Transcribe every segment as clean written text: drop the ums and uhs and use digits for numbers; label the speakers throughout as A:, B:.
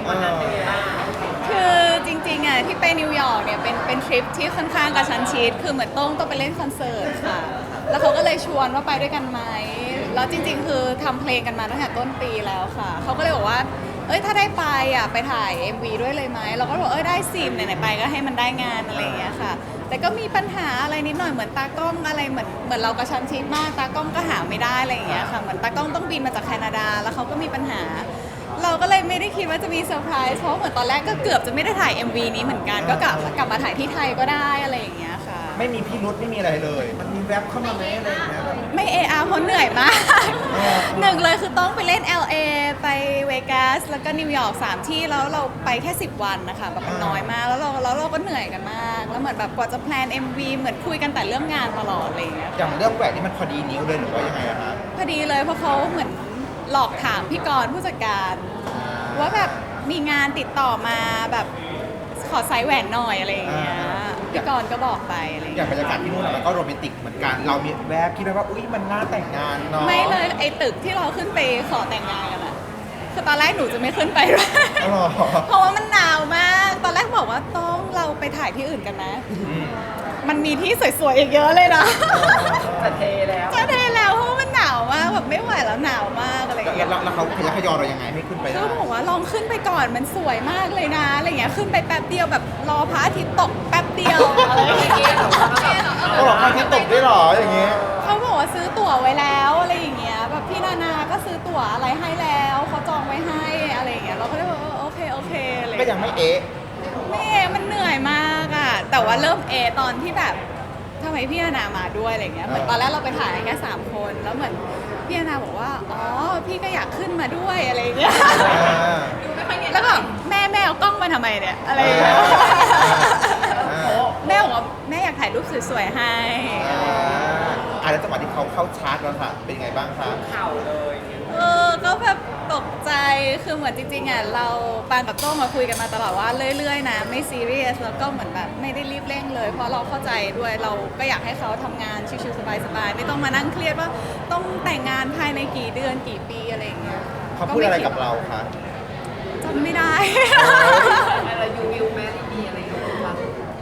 A: วันนั้นเป็นไงบ้าง
B: คือจริงๆอ่ะที่ไปนิวยอร์กเนี่ยเป็นทริปที่ค่อนข้างกระชั้นชิดคือเหมือนต้องไปเล่นคอนเสิร์ตค่ะแล้วเขาก็เลยชวนว่าไปด้วยกันไหมแล้วจริงๆคือทำเพลงกันมาตั้งแต่ต้นปีแล้วค่ะเขาก็เลยบอกว่าเอ้ยถ้าได้ไปอ่ะไปถ่าย MV ด้วยเลยไหมเราก็บอกเอ้ยได้สิไหนๆไปก็ให้มันได้งานอะไรอย่างเงี้ยค่ะแต่ก็มีปัญหาอะไรนิดหน่อยเหมือนตากล้องอะไรเหมือนเรากระชั้นชิดมากตากล้องก็หาไม่ได้อะไรอย่างเงี้ยค่ะเหมือนตากล้องต้องบินมาจากแคนาดาแล้วเขาก็มีปัญหา เราก็เลยไม่ได้คิดว่าจะมีเซอร์ไพรส์เพราะเหมือนตอนแรกก็เกือบจะไม่ได้ถ่าย MV นี้เหมือนกันก็กลับมาถ่ายที่ไทยก็ได้อะไรอย่างเงี้ยค่ะ
C: ไม่มีพิรุธไม่มีอะไรเลย มันมีแวบเข้ามาไหมอะไรอย่างเงี้ยแบบ
B: ไม่เพราะเหนื่อยมากหนึ่งเลยคือต้องไปเล่น LA ไปเวกัสแล้วก็นิวยอร์ก3ที่แล้วเราไปแค่10วันนะคะแบบมันน้อยมากแล้วเราก็เหนื่อยกันมากแล้วเหมือนแบบกว่าจะแพลน MV เหมือนคุยกันแต่เรื่องงานตลอดอะไรอย่างเงี้ย
C: อย่างเรื่องแหวนนี่มันพอดีนิ้วเลยหรือว่ายังไงอะฮะ
B: พอดีเลยเพราะเขาเหมือนหลอกถามพี่กรณ์ผู้จัดการว่าแบบมีงานติดต่อมาแบบขอไซส์แหวนหน่อยอะไรอย่างเงี้ยพี่กรณ์ก็บอกไปอะไรอย่าง
C: อย่า
B: เงี้
C: ง
B: ย
C: บรรยากาศที่นู่นอะมันก็โรแมนติกเหมือนกันเรามีแวบคิดไหมว่าอุ้ยมันน่าแต่งงานเนาะ
B: ไม่เลยไอ้ตึกที่เราขึ้นไปขอแต่งงานกันอะคือตอนแรกหนูจะไม่ขึ้นไปด้วย
C: อ๋อเหรอ
B: เพราะว่ามันหนาวมากตอนแรกบอกว่าต้องเราไปถ่ายที่อื่นกันนะ
C: อืม
B: มันมีที่สวยๆอีกเยอะเลยนะ
A: จะเทแล้ว
B: จะได้แล้วเพราะว่ามันหนาวมากแบบไม่ไหวแล้วหนาวมากอะไรอย่างเงี้ย
C: แล้วเขาขยันขยอเรายังไงให้ขึ้นไปได้
B: ก็บอกว่าลองขึ้นไปก่อนมันสวยมากเลยนะอะไรเงี้ยขึ้นไปแป๊บเดียวแบบรอพระอาทิตย์ตกแป๊บเดียวอะไรอย่างเงี้ย
C: เขาบอกว่าที่ตกด้วยเหรออย่างเงี้ย
B: เขาบอกว่าซื้อตั๋วไว้แล้วอะไรอย่างเงี้ยแบบพี่นานาก็ซื้อตั๋วอะไรให้แล้วเขาจองไว้ให้อะไรอย่างเงี้ยเราก็เลยบอกโอเคอะไร
C: ก็ยังไม่เอ๊ะ
B: ไม่มันเหนื่อยมากอะแต่ว่าเริ่มตอนที่แบบทำไมพี่นานามาด้วยอะไรเงี้ยเหมือนตอนแรกเราไปถ่ายแค่3คนแล้วเหมือนพี่นานาบอกว่าอ๋อพี่ก็อยากขึ้นมาด้วยอะไรอย่างเงี้ย แล้วก็แม่เอากล้องมาทำไมเนี่ยอะไรอย่างเงี้ยแม่บอกว่าแม่อยากถ่ายรูปสวยๆให้
C: แล้วจังหวะที่เขาเข้าชาร์จแล้วค่ะ เป็นยังไงบ้างคะ
A: เข่าเลย
B: ก็แบบตกใจคือเหมือนจริงๆอ่ะเราปานกับโต้งมาคุยกันมาตลอดว่าเรื่อยๆนะไม่ซีเรียสแล้วก็เหมือนแบบไม่ได้รีบเร่งเลย เพราะเราเข้าใจด้วยเราก็อยากให้เขาทำงานชิวๆสบายๆไม่ต้องมานั่งเครียดว่าต้องแต่งงานภายในกี่เดือนกี่ปีอะไรอย่างเงี้ย
C: เขาพูดอะไรกับเราคะ
B: จำไม่ได้
A: อะไรยูวิวแม่ดีอะไรอย่างเงี้ยค่ะ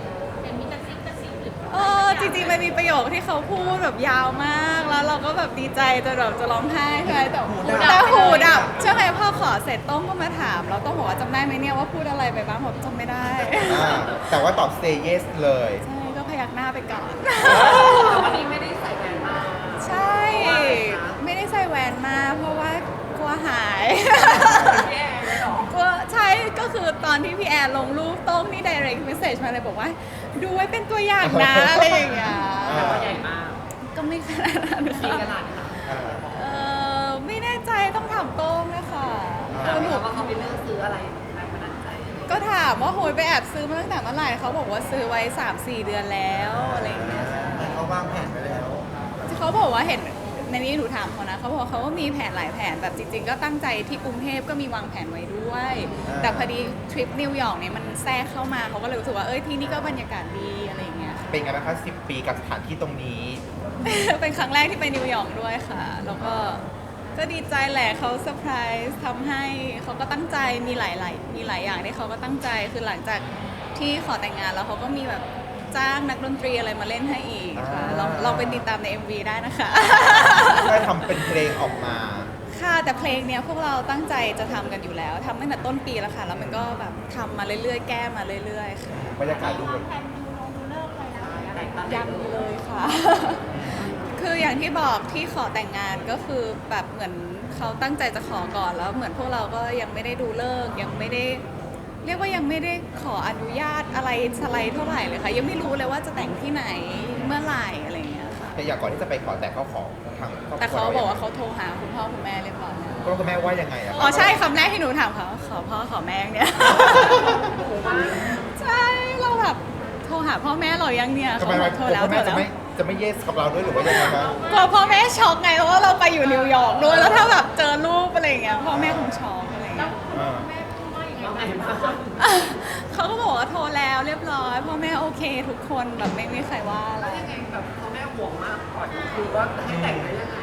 B: จริงๆมันมีประโยคที่เขาพูดแบบยาวมากแล้วเราก็แบบดีใจจนแบบจะร้องไห้ใช่ไหมแต่หูดับใช่ไหมพอขอเสร็จต้องก็มาถามเราต้องบอกว่าจำได้ไหมเนี่ยว่าพูดอะไรไปบ้างผมจำไม่ได้
C: แต่ว่าตอบ say yes เลย
B: ใช่ก็พยักหน้าไปก่อน
A: วันนี้ไม่ได้ใส่แหวนมา
B: ใช่ ไม่ได้ใส่แหวนมาเพราะว่ากลัวหาย
A: แย่เลยหรอก
B: ลัวใช่ก็คือตอนที่พี่แอนลงรูปโต้งนี่ direct message มาเลยบอกว่า ดูไว้เป็นตัวอย่างนะอะไรอย่างเงี้ย
A: แต่ว่าใหญ่มาก
B: ก็ไม่ขนาดนั้น
A: มี
B: ค่ะ
A: กระดาษค่ะ
B: ไม่แน่ใจต้องถามโต้งนะคะ
A: ถาม
B: หนู
A: ว่าเขาไปเลือกซื้ออะไรแรงบันดาลใจ
B: ก็ถามว่าโหยไปแอบซื้อมาตั้งแต่เมื่อไหร่เขาบอกว่าซื้อไว้ 3-4 เดือนแล้วอะไรอย่างเงี้ย
C: เขาวางแผนไปแล้ว
B: เขาบอกว่าเห็นในนี้หนูถามเขานะเขาบอกเขาก็มีแผนหลายแผนแบบจริงๆ ก็ตั้งใจที่กรุงเทพก็มีวางแผนไว้ด้วย แต่พอดีทริปนิวยอร์กเนี่ยมันแทรกเข้ามาเขาก็เลยรู้สึกว่าที่นี่ก็บรรยากาศดีอะไรอย่างเงี้ย
C: เป็นไงบ้างคะ10 ปีกับสถานที่ตรงนี้
B: เป็นครั้งแรกที่ไปนิวยอร์กด้วยค่ะ แล้วก็ดีใจแหละเขาเซอร์ไพรส์ทำให้เขาก็ตั้งใจมีหลายอย่างที่เขาก็ตั้งใจคือหลังจากที่ขอแต่งงานแล้วเขาก็มีแบบจ้างนักดนตรีอะไรมาเล่นให้อีกค่ะลองไปติดตามใน MV ได้นะคะ
C: ได้ทำเป็นเพลงออกมา
B: ค่ะแต่เพลงเนี้ยพวกเราตั้งใจจะทำกันอยู่แล้วทำตั้งแต่ต้นปีแล้วค่ะ แล้วมันก็แบบทำมาเรื่อยๆ แก้มาเรื่อยๆค่ะ
C: บรรยากาศดูแบบ
B: ยังเลยค่ะ คืออย่างที่บอกที่ขอแต่งงานก็คือแบบเหมือนเขาตั้งใจจะขอก่อนแล้วเหมือนพวกเราก็ยังไม่ได้ดูเลิกษ์ยังไม่ได้เรียกว่ายังไม่ได้ขออนุญาตอะไรสไลด์เท่าไหร่เลยค่ะยังไม่รู้เลยว่าจะแต่งที่ไหนเมื่อไหร่อะไรอย่างเงี้ยค่ะ
C: แต่อย่างก่อนที่จะไปขอแต่เขาขอทางครอบครัว
B: แต่เขาบอกว่าเขาโทรหาคุณพ่อคุณแม่เรียบร้อยแล้ว
C: คุณแม่ว่ายังไงอะ
B: อ๋อใช่คำแรกที่หนูถามเขาขอพ่อขอแม่เนี่ย ใช่เราแบบโทรหาพ่อแม่เรายังเนี่ย
C: ทำไม
B: เขาบอกโทรแล้ว
C: คุณ
B: โท
C: แม่
B: ร
C: จะ
B: แล้ว
C: ไม่ yes กับเราด้วยหรือว่ายังไงคะ
B: กลัวพ่อแม่ช็อกไงเพราะว่าเราไปอยู่นิวยอร์กด้วยแล้วถ้าแบบเจอรูปอะไรอย่างเงี้ยพ่อแม่คงช็อกอะไรอย่างเงี้ย
C: อ่า
A: ว่าไงบ้าง
B: เขาก็บอกว่าโทรแล้วเรียบร้อยพ่อแม่โอเคทุกคนแบบไม่มีใครว่าอะไร
A: ยังไงแบบเขาแม่ห่วงมากก่อนคือว่าให้แต่งได้ยังไงอ่ะ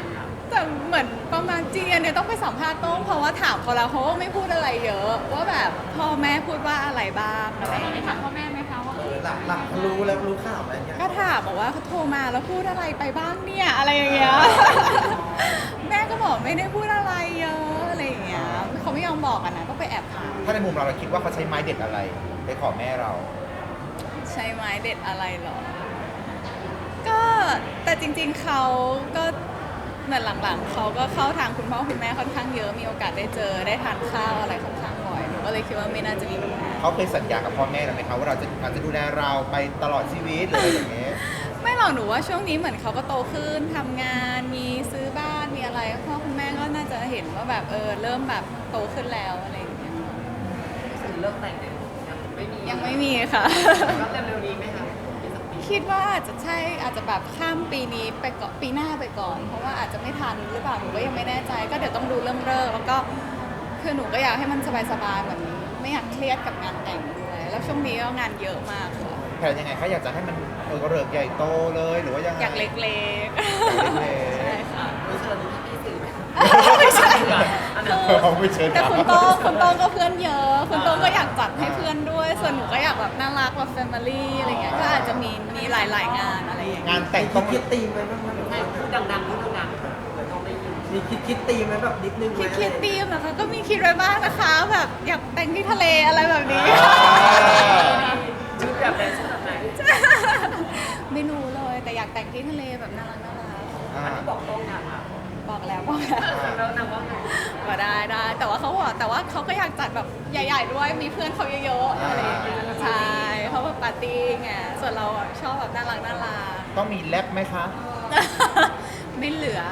B: แต่เหมือนประมาณจริงๆเนี่ยต้องไปสัมภาษณ์โต้งเพราะว่าถามเขาแล้วเขาก็ไม่พูดอะไรเยอะว่าแบบพ่อแม่พูดว่าอะไรบ้างอะไรอย่างเงี้ย
D: ถามพ่อแม่ไหมคะว่า
C: หลังเขารู้แล้วรู้ข่าวอะไรเงี้ย
B: ก็ถามบอกว่าเขาโทรมาแล้วพูดอะไรไปบ้างเนี่ยอะไรอย่างเงี้ย แม่ก็บอกไม่ได้พูดอะไรเยอะอะไรอย่างเงี้ยเขาไม่ยอมบอกกันนะต้องไปแอบถาม
C: ถ้าในมุมเราคิดว่าเขาใช้ไม้เด็ดอะไรไปขอแม่เรา
B: ใช้ไม้เด็ดอะไรหรอ ก็แต่จริงๆเขาก็เหมือนหลังๆเขาก็เข้าทางคุณพ่อคุณแม่ค่อนข้างเยอะมีโอกาสได้เจอได้ทานข้าวอะไรค่อนข้างบ่อยหนูก็เลยคิดว่าไม่น่าจะมีปัญหา
C: เขาเคยสัญญากับพ่อแม่เราไหมคะว่าเราจะดูแลเราไปตลอดชีวิตหรืออะไรอย่างเงี้ย
B: ไม่หรอกหนูว่าช่วงนี้เหมือนเขาก็โตขึ้นทำงานมีซื้อบ้านมีอะไรพ่อคุณแม่ก็น่าจะเห็นว่าแบบเริ่มแบบโตขึ้นแล้วอะไรอย่างเงี้ย
A: ถึงเลิกแต่งเนี่ยยังไม่มี
B: ยังไม่มีค่ะ
A: ก็จะเร็วนี้ไหมคะอีกสักปี
B: คิดว่าอาจจะใช่อาจจะแบบข้ามปีนี้ไปก่อนปีหน้าไปก่อน เพราะว่าอาจจะไม่ทันหรือเปล่าหนูก็ยังไม่แน่ใจ ก็เดี๋ยวต้องดูเรื่องเลิกแล้วก็คือหนูก็อยากให้มันสบายๆเหมือนไม่อยากเครียดกับงานแต่งด้วยแล้วช่วงนี้ก็งานเยอะมากค่ะ
C: แผนยังไงคะอยากจะให้มันเริกใหญ่โตเลยหรือว่ายังไง
B: อยากเล็ก
C: อยากเล็
B: ๆ
C: ก
B: ใช่ค่ะ
A: รู้เชิญพี่สื่อไหม
B: ไม่ใช่
A: อัน
B: คื
A: นั้น
B: อ
C: เขาไม่เชิญ
B: แต่คุณโต้งก็เพื่อนเยอะคุณโต้งก็อยากจัดให้เพื่อนด้วย ส่วนหนูก็อยากแบบน่ารักแบบแฟมิลี่อะไรเงี้ยก็อาจจะมีหลายๆงานอะไรอย่างเงี้ย
C: งานแต่งต้อง
E: คิดตีมไหมบ้างไหม
A: ให้พูดดังๆพูดดังๆเหมือนต้องได้ยิน
E: มีคิดตีมไหมแบบนิดนึงไหม
B: คิดธีมนะคะก็มีคิดไว้บ้างนะคะแบบอยากแต่งที่ทะเลอะไรแบบนี้
A: ชุดแบบไหนชุดแบบไหน
B: ไม่รู้เลยแต่อยากแต่งที่ทะเลแบบน่ารัก
C: อ่า
A: บอกตรงอย่างค่ะ
B: บอกแล้วบอกแล้ว
A: แล้วนางว่าไง
B: ก็ได้แต่ว่าเขาบอกแต่ว่าเขาก็อยากจัดแบบใหญ่ ๆ ด้วยมีเพื่อนเขาเยอะๆอะไรอย่างเงี้ยใช่เขาแบบปาร์ตี้ไงส่วนเราอะชอบแบบน่ารัก
C: ต้องมีแรปไหมคะ
B: ไม่เหลือ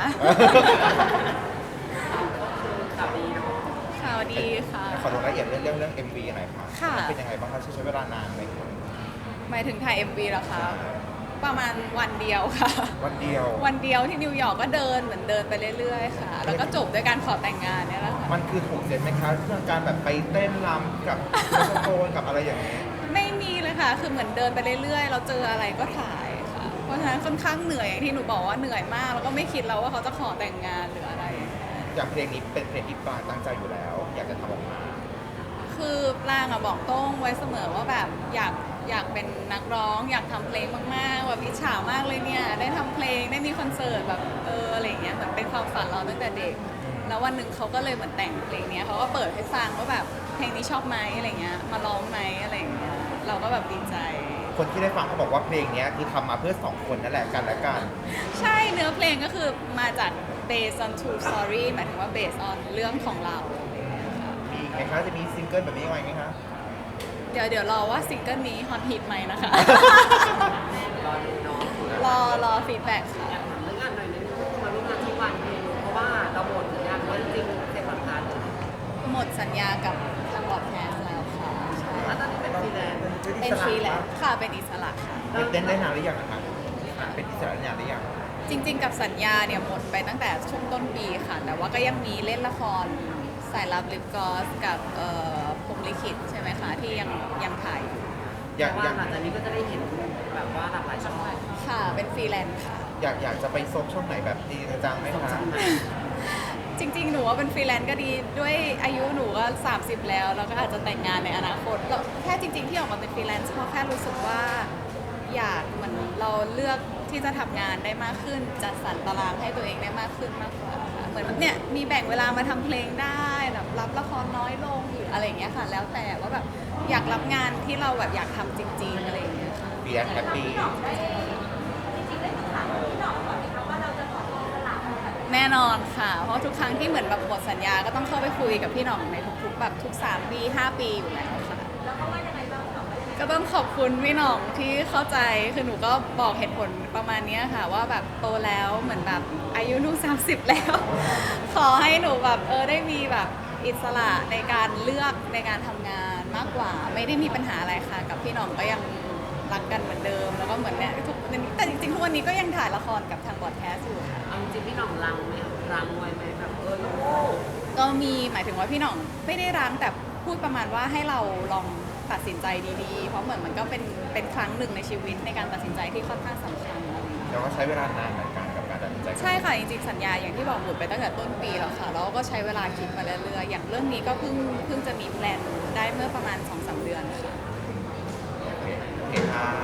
A: ข่าวดีเนาะ
B: ข่าวดีค่ะ
C: ขอลงรายละเอียดเรื่อง MV หน่อยค่ะ
B: ค่ะ
C: มันเป็นยังไงบ้างคะใช้เวลานานไหม
B: หมายถึงถ่าย MV เหรอคะประมาณวันเดียวค่ะ
C: วันเดียว
B: วันเดียวที่นิวยอร์กก็เดินเหมือนเดินไปเรื่อยๆค่ะ แล้วก็จบด้วยการขอแต่งงานเนี่ยแหละค่ะ
C: มันคือถูกเสร็จไหมคะเรื่องการแบบไปเต้นรำกับโซนกับอะไรอย่างเงี้ย
B: ไม่มีเลยค่ะ คือเหมือนเดินไปเรื่อยๆ เราเจออะไรก็ถ่ายค่ะ เพราะฉะนั้นค่อนข้างเหนื่อยอย่างที่หนูบอกว่าเหนื่อยมาก แล้วก็ไม่คิดแล้วว่าเขาจะขอแต่งงานหรืออะไร
C: อย่างเพลงนี้เป็นเพลงที่ปรางตั้งใจอยู่แล้ว อยากจะทำออกมา
B: คือปรางอะบอกโต้งไว้เสมอว่าแบบอยากเป็นนักร้อง อยากทำเพลงมากๆแบบอิจฉามากเลยเนี่ยได้ทำเพลงได้มีคอนเสิร์ตแบบอะไรอย่างเงี้ยเหมือนเป็นความฝันเราตั้งแต่เด็ก แล้ววันหนึ่งเขาก็เลยเหมือนแต่งเพลงเนี้ยเขาก็เปิดให้ฟังว่าแบบเพลงนี้ชอบไหมอะไรเงี้ยมาร้องไหมอะไรอย่างเงี้ยเราก็แบบดีใจ
C: คนที่ได้ฟังเขาบอกว่าเพลงเนี้ยคือทำมาเพื่อสองคนนั่นแหละกันและกัน
B: ใช่เนื้อเพลงก็คือมาจาก based on true story หมายถึงว่า based on เรื่องของเราอะไรอย่างเงี้ยค่ะ
C: มีอีกไหมคะจะมีซิงเกิลแบบนี้ยังไงไหมคะ
B: เดี๋ยวรอว่าซิงเกิลนี้ฮอตฮิตไหมนะคะ
A: รอดูเนาะ
B: รอฟีดแบ็กค่ะ
A: อยากถามเรื่องงานหน่อยนึงมาร่วมงานที่วันเพลงเพราะว่าเราหมดสัญญาว่าจริงๆเซ็นสัมภาษณ์
B: หมดสัญญากับทางบอดแคสต์แล้วค่ะใช่
A: แล้วตอนนี้เป็นฟรีแลนซ์
B: เป็นฟรีแลนซ์ค่ะเป็นอิสระค่ะ
C: เป็นเต้นได้นานหรือยังนะคะเป็นอิสระได้นานหรือยัง
B: จริง ๆ กับสัญญาเนี่ยหมดไปตั้งแต่ช่วงต้นปีค่ะ แต่ว่าก็ยังมีเล่นละครสายลับลิปกอสกับพรหมลิขิตใช่ไหมคะที่ยังถ่ายอยู่
C: อยาก
A: ว่า
C: อยาก
A: หลังจากนี้ก็จะได้เห็นแบบว่าหลากหลายช่อง
B: ค่ะเป็นฟรีแลนซ์ค่ะ
C: อยากจะไปซบช่องไหนแบบดีจังไหมคะ
B: จริงๆ หนูว่าเป็นฟรีแลนซ์ก็ดีด้วยอายุหนูก็ 30 แล้วแล้วก็อาจจะแต่งงานในอนาคตแล้วแค่จริง ๆ ที่ออกมาเป็นฟรีแลนซ์เพราะแค่รู้สึกว่าอยากเหมันเราเลือกที่จะทำงานได้มากขึ้นจัดสรรตารางให้ตัวเองได้มากขึ้นมากกว่าค่ะเหมือนแบบเนี่ยมีแบ่งเวลามาทำเพลงได้แบบรับละครน้อยลงหรืออะไรอย่างเงี้ยค่ะ แล้วแต่ว่าแบบอยากรับงานที่เราแบบอยากทำจริง ๆ อะไรอย่างเงี้ยค่ะ
C: เบียร์แฮปปี้
B: แน่นอนค่ะ เพราะทุกครั้งที่เหมือนแบบหมดสัญญาก็ต้องเข้าไปคุยกับพี่หน่องในทุกๆแบบทุก3 ปี 5 ปีอยู่แล้วค่ะก็ต้องขอบคุณพี่หน่องที่เข้าใจคือหนูก็บอกเหตุผลประมาณเนี้ยค่ะ ว่าแบบโตแล้วเหมือนแบบอายุหนู30 แล้ว ขอให้หนูแบบได้มีแบบอิสระในการเลือกในการทำงานมากกว่า ไม่ได้มีปัญหาอะไรค่ะ กับพี่หน่องก็ยังรักกันเหมือนเดิม แล้วก็เหมือนเนี่ยทุกวันนี้แต่จริงๆทุกวันนี้ก็ยังถ่ายละครกับทางบอดแคสต์อยู่ค่ะ
A: เอาจริงๆพี่หน่องรังไหมรังไว้ไหมแบบลูก
B: ก็มีหมายถึงว่าพี่หน่องไม่ได้รั้งแต่พูดประมาณว่าให้เราลองตัดสินใจดีๆ เพราะเหมือนมันก็เป็นครั้งหนึ่งในชีวิตในการตัดสินใจที่ค่อนข้างสำคัญอะไรอย่างเงี้ย
C: แล้วก็ใช้เวลานานเหมือนกันกับการตัดสินใจ
D: ใจกัน
B: ใช่ค่ะจริงๆสัญญาอย่างที่บอกหมดไปตั้งแต่ต้นปีแล้วค่ะแล้วก็ใช้เวลาคิดมาเรื่อยๆอย่างเรื่องนี้ก็เพิ่งจะมีแพลนได้เมื่อประมาณ 2-3 เดือนค่ะ
C: โอเคค่ะ